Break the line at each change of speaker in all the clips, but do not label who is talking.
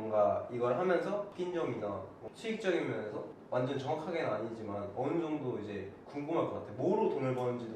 뭔가 이걸 하면서 낀 점이나 뭐 수익적인 면에서 완전 정확하게는 아니지만 어느 정도 이제 궁금할 것 같아. 뭐로 돈을 버는지도.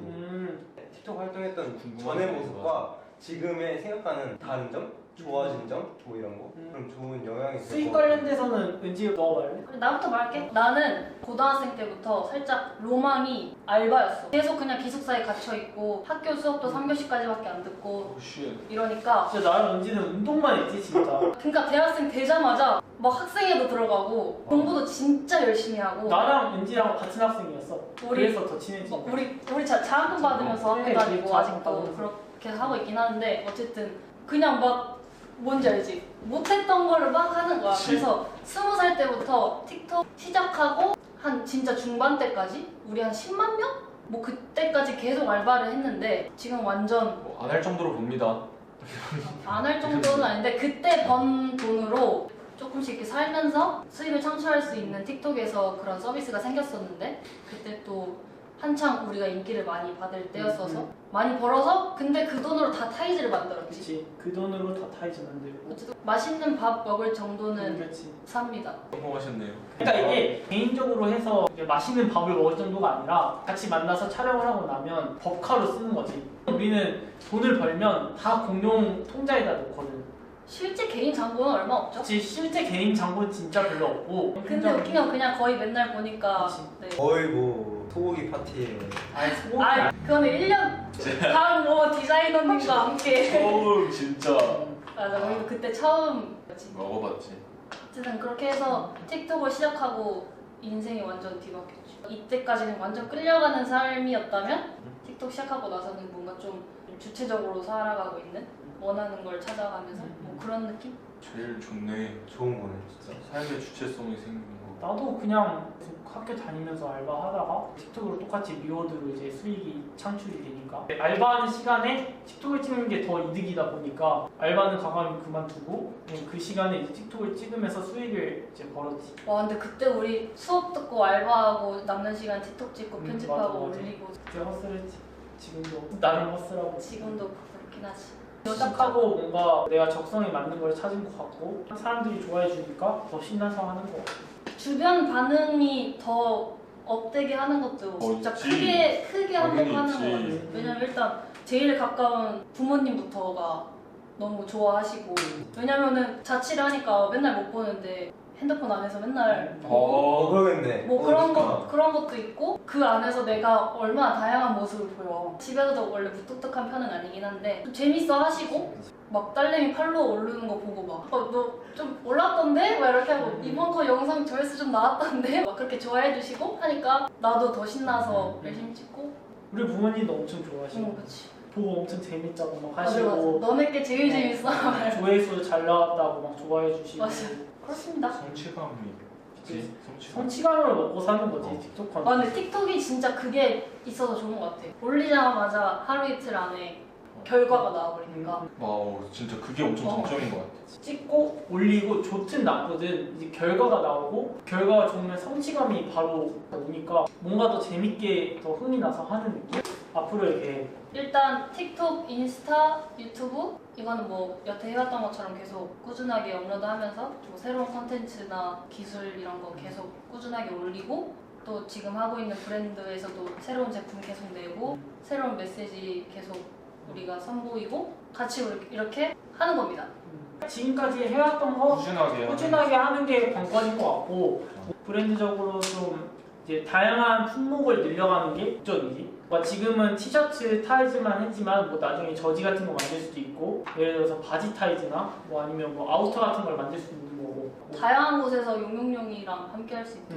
틱톡 활동했던 전의 모습과 지금의 생각하는 다른 점? 좋아진 점? 뭐 이런 거? 그럼 좋은 영향이
수익 관련돼서는 은지 너 말래?
나부터 말할게. 나는 고등학생 때부터 살짝 로망이 알바였어. 계속 그냥 기숙사에 갇혀있고 학교 수업도 3교시까지밖에 안 듣고 이러니까
진짜 나랑 은지는 운동만 했지 진짜.
그러니까 대학생 되자마자 막 학생회도 들어가고 공부도 진짜 열심히 하고
나랑 은지랑 같은 학생이었어.
우리-
그래서 더 친해지.
우리 자학금 받으면서 학교
그래,
다니고
자학금
아직도
받으면서.
그렇게 하고 있긴 하는데 어쨌든 그냥 막 뭔지 알지? 못했던 거를 막 하는 거야. 그래서 20살 때부터 틱톡 시작하고 한 진짜 중반 때까지 우리 한 10만 명? 뭐 그때까지 계속 알바를 했는데 지금 완전
안 할 정도로 봅니다.
안 할 정도는 아닌데 그때 번 돈으로 조금씩 이렇게 살면서 수익을 창출할 수 있는 틱톡에서 그런 서비스가 생겼었는데 그때 또 한창 우리가 인기를 많이 받을 때였어서 많이 벌어서 근데 그 돈으로 다 타이즈를 만들었지.
그렇지. 그 돈으로 다 타이즈 만들고.
어쨌든 맛있는 밥 먹을 정도는
그렇지.
삽니다.
성공하셨네요.
그러니까 이게 개인적으로 해서 이제 맛있는 밥을 먹을 정도가 아니라 같이 만나서 촬영을 하고 나면 법카로 쓰는 거지. 우리는 돈을 벌면 다 공용 통장에다 넣거든.
실제 개인 잔고는 얼마 없죠?
그치. 실제 개인 잔고는 진짜 별로 없고.
근데 웃긴 건 그냥 거의 맨날 보니까
그치.
네.
거의 뭐 소고기 파티에
아니 소고기
아 그거는 1년 다음 뭐 디자이너님과 함께
어우 진짜
맞아 우리도 그때 처음
먹어봤지.
어쨌든 그렇게 해서 틱톡을 시작하고 인생이 완전 뒤바뀌었지. 이때까지는 완전 끌려가는 삶이었다면 틱톡 시작하고 나서는 뭔가 좀 주체적으로 살아가고 있는 원하는 걸 찾아가면서 뭐 그런 느낌?
제일 좋네.
좋은 거네 진짜.
삶의 주체성이 생기는 거.
나도 그냥 학교 다니면서 알바하다가 틱톡으로 똑같이 리워드로 이제 수익이 창출이 되니까 알바하는 시간에 틱톡을 찍는 게 더 이득이다 보니까 알바는 과감히 그만두고 그냥 그 시간에 이제 틱톡을 찍으면서 수익을 이제 벌었지.
와 근데 그때 우리 수업 듣고 알바하고 남는 시간 틱톡 찍고 편집하고
맞아.
올리고
그때 헛슬했지. 지금도 나름 헛슬하고.
지금도 그렇긴 하지.
시작하고 뭔가 내가 적성에 맞는 걸 찾은 것 같고 사람들이 좋아해 주니까 더 신나서 하는 것 같아.
주변 반응이 더 업되게 하는 것도 진짜
있지.
크게 한몫하는 것
있지.
같아요. 왜냐면 일단 제일 가까운 부모님부터가 너무 좋아하시고 왜냐면은 자취를 하니까 맨날 못 보는데 핸드폰 안에서 맨날
그러겠네.
뭐 그런 것도 있고 그 안에서 내가 얼마나 다양한 모습을 보여. 집에서도 원래 무뚝뚝한 편은 아니긴 한데 좀 재밌어 하시고 막 딸내미 팔로워 오르는 거 보고 막 너 좀 올랐던데? 막 이렇게 하고 이번 거 영상 조회수 좀 나왔던데? 막 그렇게 좋아해 주시고 하니까 나도 더 신나서 열심히 찍고
우리 부모님도 엄청 좋아하시고
그치.
보고 엄청 재밌다고 막
맞아 맞아.
하시고
너네 게 제일 재밌어.
조회수 잘 나왔다고 막 좋아해 주시고
맞아. 그렇습니다.
성취감이 있지. 성취감.
성취감을 먹고 사는 거지 틱톡 컨텐츠.
아 근데 틱톡이 진짜 그게 있어서 좋은 것 같아. 올리자마자 하루 이틀 안에 결과가 나와버리니까.
와우 진짜 그게 엄청 장점인 것 같아.
찍고 올리고 좋든 나쁘든 이제 결과가 나오고 결과가 좋으면 성취감이 바로 오니까 뭔가 더 재밌게 더 흥이 나서 하는 느낌? 앞으로 이렇게
일단 틱톡, 인스타, 유튜브 이거는 뭐 여태 해왔던 것처럼 계속 꾸준하게 업로드하면서 뭐 새로운 컨텐츠나 기술 이런 거 계속 꾸준하게 올리고 또 지금 하고 있는 브랜드에서도 새로운 제품 계속 내고 새로운 메시지 계속 우리가 선보이고 같이 이렇게 하는 겁니다.
지금까지 해왔던 거
꾸준하게
하는 게 관건인 것 같고 브랜드적으로 좀 이제 다양한 품목을 늘려가는 게 목적이지. 지금은 티셔츠 타이즈만 했지만 뭐 나중에 저지 같은 거 만들 수도 있고 예를 들어서 바지 타이즈나 뭐 아니면 뭐 아우터 같은 걸 만들 수 있는 거고
다양한 곳에서 용용용이랑 함께 할 수 있도록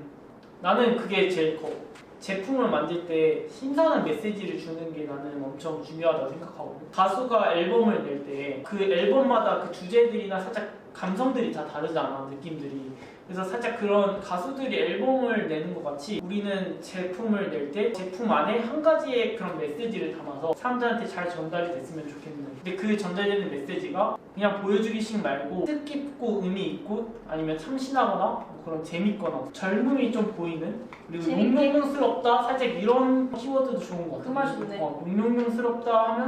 나는 그게 제일 커. 제품을 만들 때 신선한 메시지를 주는 게 나는 엄청 중요하다고 생각하거든. 가수가 앨범을 낼 때 그 앨범마다 그 주제들이나 살짝 감성들이 다 다르잖아, 느낌들이. 그래서 살짝 그런 가수들이 앨범을 내는 것 같이 우리는 제품을 낼 때 제품 안에 한 가지의 그런 메시지를 담아서 사람들한테 잘 전달이 됐으면 좋겠는데 근데 그 전달되는 메시지가 그냥 보여주기식 말고 뜻깊고 의미 있고 아니면 참신하거나 뭐 그런 재밌거나 젊음이 좀 보이는 그리고 용용용스럽다 살짝 이런 키워드도 좋은 것 같아.
그 말 좋네.
용용용스럽다 하면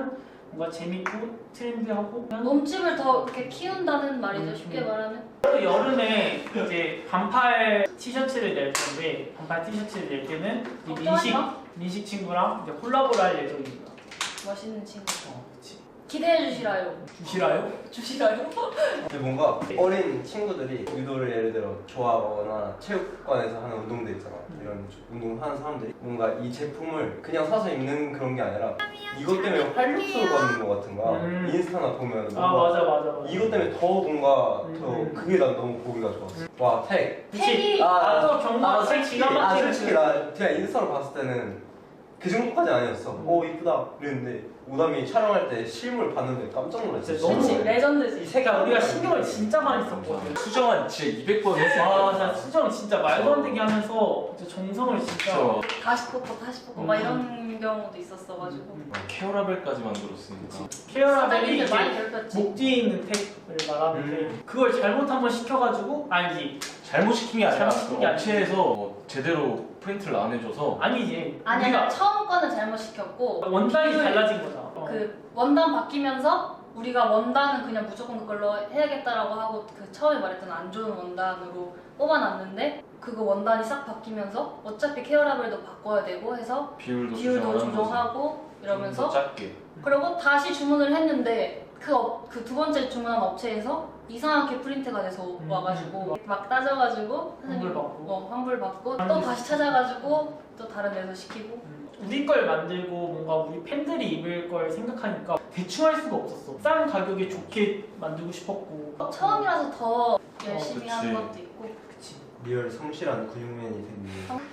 뭔가 재밌고 트렌디하고
몸집을 더 이렇게 키운다는 말이죠. 쉽게 말하면.
또 여름에 이제 반팔 티셔츠를 낼 건데 반팔 티셔츠를 낼 때는 이 민식 친구랑 이제 콜라보를 할 예정입니다.
멋있는 친구.
그치.
기대해 주시라요.
주시라요?
주시라요?
근데 뭔가 어린 친구들이 유도를 예를 들어 좋아하거나 체육관에서 하는 운동들 있잖아. 이런 운동을 하는 사람들이 뭔가 이 제품을 그냥 사서 입는 그런 게 아니라 이것 때문에 활력소를 받는 것 같은 거야. 인스타나 보면
아 맞아.
이것 때문에 더 뭔가 더
음.
그게 난 너무 보기가 좋았어. 와 택.
택이
또 경마 책 기가 막히게
솔직히 나 그냥 인스타로 봤을 때는 그 정도까지 아니었어. 오 이쁘다 이랬는데 오담이 촬영할 때 실물 봤는데 깜짝 놀랐어.
진짜 너무
그치,
이
레전드지.
색깔
우리가 신경을 진짜 많이 썼거든.
수정한 진짜 200번 했어.
아, 나 수정 진짜 말도 안 되게 하면서 진짜 정성을 진짜.
그쵸.
다시 뽑고 막 이런 경우도 있었어가지고.
케어라벨까지 만들었으니까.
케어라벨이
사람들이 많이
이제
괴롭혔지.
목 뒤에 있는 택을 말하는데 그걸 잘못 한번 시켜가지고 아니지
잘못 시킨 게 아니라
잘못 시킨 게
업체에서 뭐 제대로 프린트를 안 해줘서
아니지.
아니야
우리가
처음 거는 잘못 시켰고
원단이
이걸
달라진 거잖아.
그 원단 바뀌면서 우리가 원단은 그냥 무조건 그걸로 해야겠다라고 하고 그 처음에 말했던 안 좋은 원단으로 뽑아놨는데 그거 원단이 싹 바뀌면서 어차피 케어라벨도 바꿔야 되고 해서
비율도
비율도
조정하는
조정하고 이러면서
더 작게.
그리고 다시 주문을 했는데 그 두 번째 주문한 업체에서 이상하게 프린트가 돼서 와가지고 막 따져가지고
환불 받고.
환불 받고 또 다시 찾아가지고 또 다른 데서 시키고
우리 걸 만들고 뭔가 우리 팬들이 입을 걸 생각하니까 대충 할 수가 없었어. 싼 가격에 좋게 만들고 싶었고.
처음이라서 더 열심히
그치.
하는 것도 있고
그치.
리얼 성실한 근육맨이 됐네.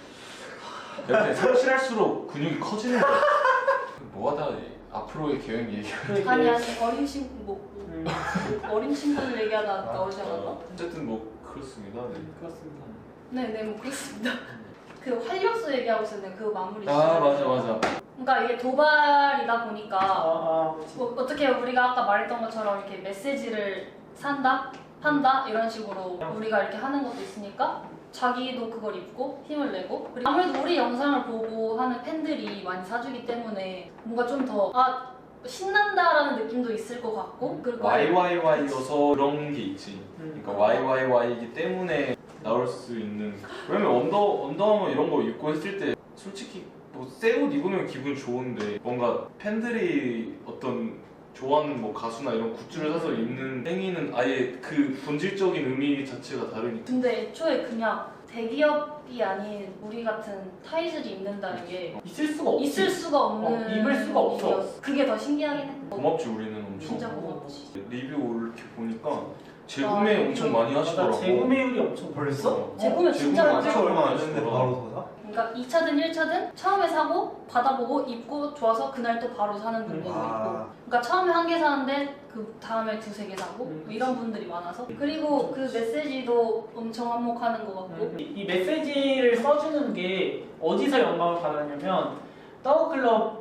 이렇게 성실할수록 근육이 커지는 거야. 뭐하다 앞으로의 계획 얘기하는.
아니 어린 친구 뭐
음,
어린 친구들 얘기하다 나오지 않았나?
어쨌든 뭐 그렇습니다. 네.
그렇습니다.
네네 뭐 그렇습니다. 그 활력소 얘기하고 있었는데 그 마무리.
아 맞아.
그러니까 이게 도발이다 보니까
그치.
뭐 어떻게 우리가 아까 말했던 것처럼 이렇게 메시지를 산다, 판다 이런 식으로 우리가 이렇게 하는 것도 있으니까 자기도 그걸 입고 힘을 내고 그리고 아무래도 우리 영상을 보고 하는 팬들이 많이 사주기 때문에 뭔가 좀 더 신난다라는 느낌도 있을 것 같고 그리고
YYY여서 그런 게 있지. 그러니까 YYY이기 때문에 나올 수 있는. 왜냐면 언더아머 이런 거 입고 했을 때 솔직히 뭐 새 옷 입으면 기분 좋은데 뭔가 팬들이 어떤 좋아하는 뭐 가수나 이런 굿즈를 사서 입는 행위는 아예 그 본질적인 의미 자체가 다르니까.
근데 애초에 그냥 대기업이 아닌 우리 같은 타이즈를 입는다는 게
있을 수가 없지.
있을 수가 없는
입을 수가 없어.
일이었어. 그게 더 신기하긴 해.
고맙지 우리는 엄청.
진짜 고맙지.
리뷰 이렇게 보니까 재구매 엄청 많이 하시더라고.
맞아, 재구매율이 엄청
벌써?
재구매 진짜
재구매
많아.
진짜 얼마 안
하시더라.
됐는데 바로 더 사?
그러니까 2차든 1차든 처음에 사고 받아보고 입고 좋아서 그날 또 바로 사는 분들도 있고 그러니까 처음에 한 개 사는데 그 다음에 두세 개 사고 뭐 이런 분들이 많아서 그리고 그 메시지도 엄청 한몫하는 것 같고
이 메시지를 써주는 게 어디서 영감을 받았냐면 떠우클럽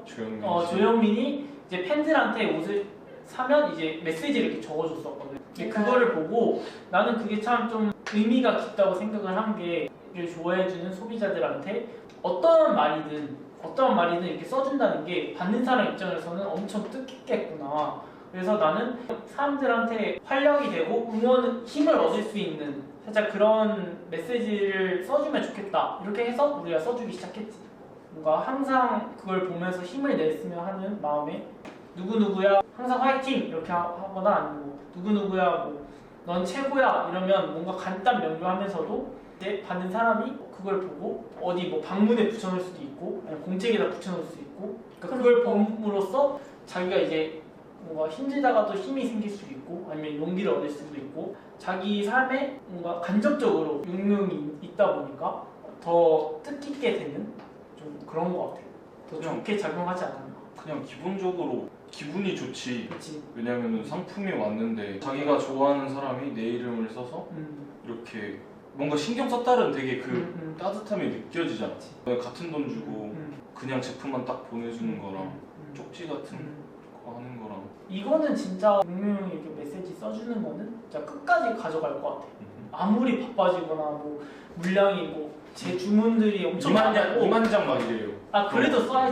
조영민이 이제 팬들한테 옷을 사면 이제 메시지를 이렇게 적어줬었거든. 근데 그거를 보고 나는 그게 참 좀 의미가 깊다고 생각을 한 게 이를 좋아해주는 소비자들한테 어떠한 말이든 이렇게 써준다는 게 받는 사람 입장에서는 엄청 뜻깊겠구나. 그래서 나는 사람들한테 활력이 되고 응원, 힘을 얻을 수 있는 살짝 그런 메시지를 써주면 좋겠다. 이렇게 해서 우리가 써주기 시작했지. 뭔가 항상 그걸 보면서 힘을 냈으면 하는 마음에 누구누구야 항상 화이팅 이렇게 하거나 아니면 누구누구야 뭐 넌 최고야 이러면 뭔가 간단 명료하면서도 이제 받는 사람이 그걸 보고 어디 뭐 방문에 붙여놓을 수도 있고 아니면 공책에다 붙여놓을 수도 있고 그러니까 그걸 봄으로써 자기가 이제 뭔가 힘들다가도 힘이 생길 수도 있고 아니면 용기를 얻을 수도 있고 자기 삶에 뭔가 간접적으로 용명이 있다 보니까 더 뜻깊게 되는 좀 그런 것 같아요. 더 좋게 작용하지 않았나.
그냥 기본적으로 기분이 좋지.
그렇지.
왜냐면은 상품이 왔는데 자기가 좋아하는 사람이 내 이름을 써서 이렇게 뭔가 신경 썼다는 되게 그 따뜻함이 느껴지잖아. 같은 돈 주고 그냥 제품만 딱 보내주는 거랑 쪽지 같은 거 하는 거랑
이거는 진짜 분명히 이렇게 메시지 써주는 거는 진짜 끝까지 가져갈 것 같아. 아무리 바빠지거나 뭐 물량이 뭐 제 주문들이 엄청 많고
2만 장 말이에요.
아 그래도 써야지.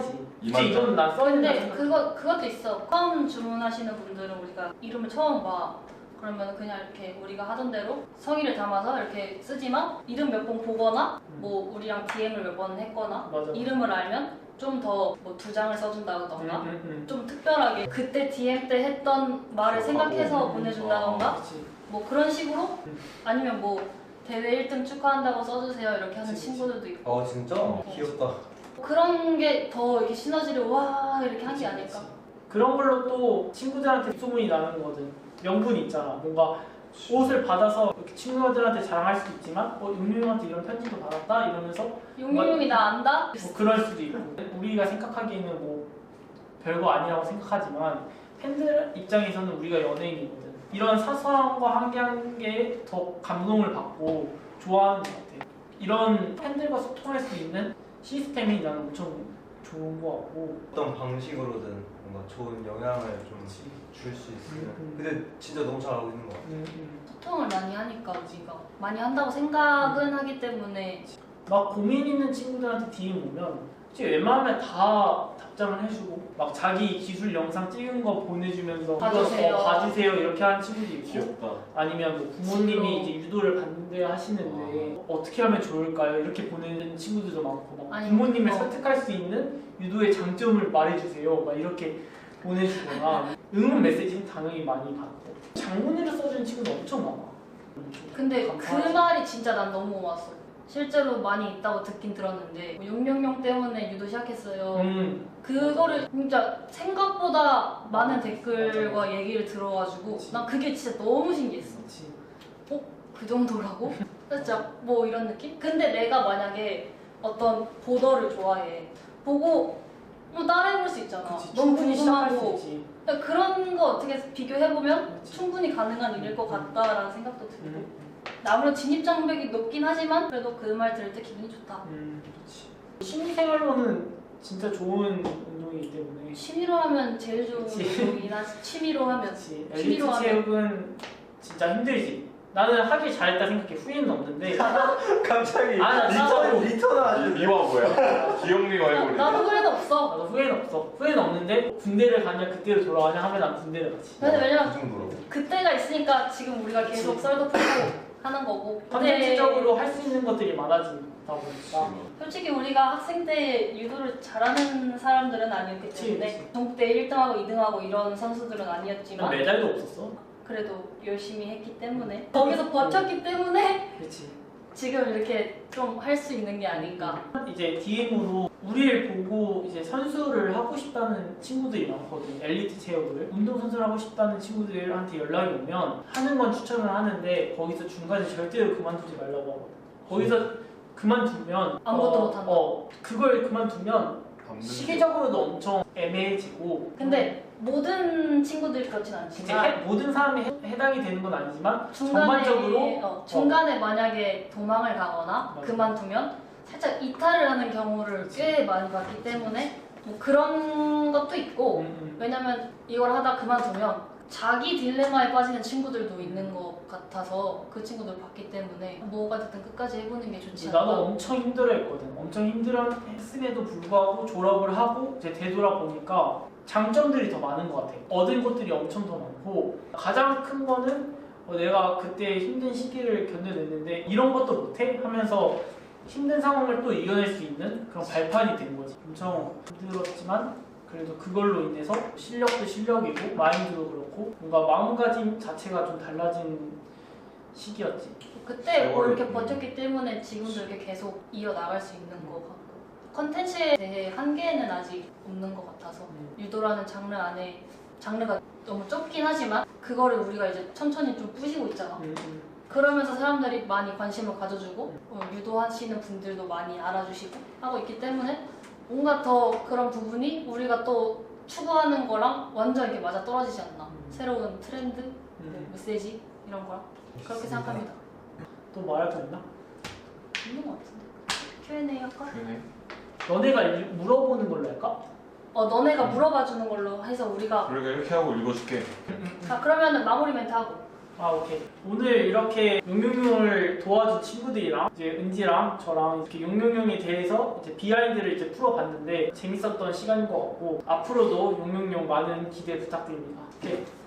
그치, 이건 나 써있는
근데 그것도 있어. 처음 주문하시는 분들은 우리가 이름을 처음 봐. 그러면 그냥 이렇게 우리가 하던 대로 성의를 담아서 이렇게 쓰지만 이름 몇 번 보거나 뭐 우리랑 DM을 몇 번 했거나
맞아.
이름을 알면 좀 더 뭐 2장을 써준다던가
음.
좀 특별하게 그때 DM 때 했던 말을 생각해서 보내준다던가
그치.
뭐 그런 식으로
음.
아니면 뭐 대회 1등 축하한다고 써주세요 이렇게 하는
그치.
친구들도 있고
진짜? 귀엽다.
그런 게 더 이렇게 시너지를 와 이렇게 한 게 아닐까.
그런 걸로 또 친구들한테 소문이 나는 거거든. 명분이 있잖아. 뭔가 옷을 받아서 이렇게 친구들한테 자랑할 수도 있지만 용용한테 이런 편지도 받았다 이러면서
용용이 나 안다?
뭐 그럴 수도 있고 우리가 생각하기에는 뭐 별거 아니라고 생각하지만 팬들 입장에서는 우리가 연예인이거든. 이런 사소한 거 한 개 한 개 더 감동을 받고 좋아하는 것 같아. 이런 팬들과 소통할 수 있는 시스템이 나는 엄청 좋은 것 같고
어떤 방식으로든 뭔가 좋은 영향을 좀 줄 수 있으면 근데 진짜 너무 잘하고 있는 것 같아.
소통을 많이 하니까 우리가 많이 한다고 생각은 하기 때문에
막 고민 있는 친구들한테 DM 오면 솔직히 웬만하면 다 답장을 해주고 막 자기 기술 영상 찍은 거 보내주면서
봐주세요.
이거 봐주세요 이렇게 하는 친구도 있고
귀엽다.
아니면 뭐 부모님이 이제 유도를 반대하시는데 어떻게 하면 좋을까요? 이렇게 보내는 친구들도 많고 막
아니,
부모님을 설득할 수 있는 유도의 장점을 말해주세요 막 이렇게 보내주거나 응원 메시지는 당연히 많이 받고 장문으로 써주는 친구도 엄청 많아.
근데
감사하지.
그 말이 진짜 난 너무 고마웠어. 실제로 많이 있다고 듣긴 들었는데 뭐 용용용 때문에 유도 시작했어요. 그거를 진짜 생각보다 많은 댓글과
맞아.
얘기를 들어가지고
그치.
난 그게 진짜 너무 신기했어.
그치.
그 정도라고? 진짜 뭐 이런 느낌? 근데 내가 만약에 어떤 보더를 좋아해. 보고 뭐 따라해볼 수 있잖아.
그치.
너무
충분히 시작할 수
궁금하고
있지.
그러니까 그런 거 어떻게 비교해보면
그치.
충분히 가능한 일일 것 같다라는 생각도 들고
음.
아무래도 진입장벽이 높긴 하지만 그래도 그 말 들을 때 기분이 좋다.
그렇지. 취미생활로는 진짜 좋은 운동이기 때문에.
취미로 하면 제일 좋은
그치.
운동이나 취미로 하면
그렇지.
취미로
엘리트
하면
체육은 진짜 힘들지. 나는 하길 잘했다 생각해. 후회는 없는데.
갑자기
나 진짜로.
리턴을 아주
미화 뭐야? 기억미화 해버리네.
나도 후회는 없어.
나도 후회는 없어. 후회는 없는데 군대를 가냐 그때로 돌아가냐 하면 난 군대를 가지.
근데 왜냐면
그 정도로.
그때가 있으니까 지금 우리가 계속 썰도 풀고 하는 거고
컨텐츠적으로 할 수 있는 것들이 많아진다 보니까.
솔직히 우리가 학생 때 유도를 잘하는 사람들은 아니었기
그치,
때문에
그치.
전국대 1등하고 2등하고 이런 선수들은
난
아니었지만
메달도 없었어.
그래도 열심히 했기 때문에 거기서 버텼기 때문에
그렇지.
지금 이렇게 좀 할 수 있는 게 아닌가.
이제 DM으로 우리를 보고 이제 선수를 하고 싶다는 친구들이 많거든. 엘리트 체육을 운동선수를 하고 싶다는 친구들한테 연락이 오면 하는 건 추천을 하는데 거기서 중간에 절대로 그만두지 말라고 하거든. 거기서 그만두면
아무것도 못한다.
그걸 그만두면
담는
시기적으로도 엄청 애매해지고
근데 모든 친구들이 그렇진
이제
않지만
모든 사람이 해당이 되는 건 아니지만
중간에
전반적으로
중간에 만약에 도망을 가거나
맞아.
그만두면 살짝 이탈을 하는 경우를 꽤 많이 봤기 때문에 뭐 그런 것도 있고 왜냐면 이걸 하다 그만두면 자기 딜레마에 빠지는 친구들도 있는 것 같아서 그 친구들 봤기 때문에 뭐가 됐든 끝까지 해보는 게 좋지 않나.
나도 엄청 힘들어했거든. 엄청 힘들었음에도 불구하고 졸업을 하고 이제 되돌아보니까 장점들이 더 많은 것 같아. 얻은 것들이 엄청 더 많고 가장 큰 거는 내가 그때 힘든 시기를 견뎌냈는데 이런 것도 못해? 하면서 힘든 상황을 또 이겨낼 수 있는 그런 발판이 된 거지. 엄청 힘들었지만 그래도 그걸로 인해서 실력도 실력이고 마인드도 그렇고 뭔가 마음가짐 자체가 좀 달라진 시기였지.
그때 뭐 이렇게 버텼기 때문에 지금도 이렇게 계속 이어나갈 수 있는 것 같고 컨텐츠에 대해 한계는 아직 없는 것 같아서 유도라는 장르 안에 장르가 너무 좁긴 하지만 그거를 우리가 이제 천천히 좀 부시고 있잖아. 그러면서 사람들이 많이 관심을 가져주고 유도하시는 분들도 많이 알아주시고 하고 있기 때문에 뭔가 더 그런 부분이 우리가 또 추구하는 거랑 완전 이렇게 맞아 떨어지지 않나. 새로운 트렌드, 뭐 메시지 이런 거랑 그렇게 생각합니다.
또 말할 거 있나?
있는 것 같은데. Q&A 할까?
그러네.
너네가 물어보는 걸로 할까?
너네가 물어봐 주는 걸로 해서 우리가
우리가 이렇게 하고 읽어줄게.
그러면은 마무리 멘트 하고
아, 오케이. 오늘 이렇게 용용용을 도와준 친구들이랑 이제 은지랑 저랑 이렇게 용용용에 대해서 이제 비하인드를 이제 풀어봤는데 재밌었던 시간인 것 같고 앞으로도 용용용 많은 기대 부탁드립니다. 오케이.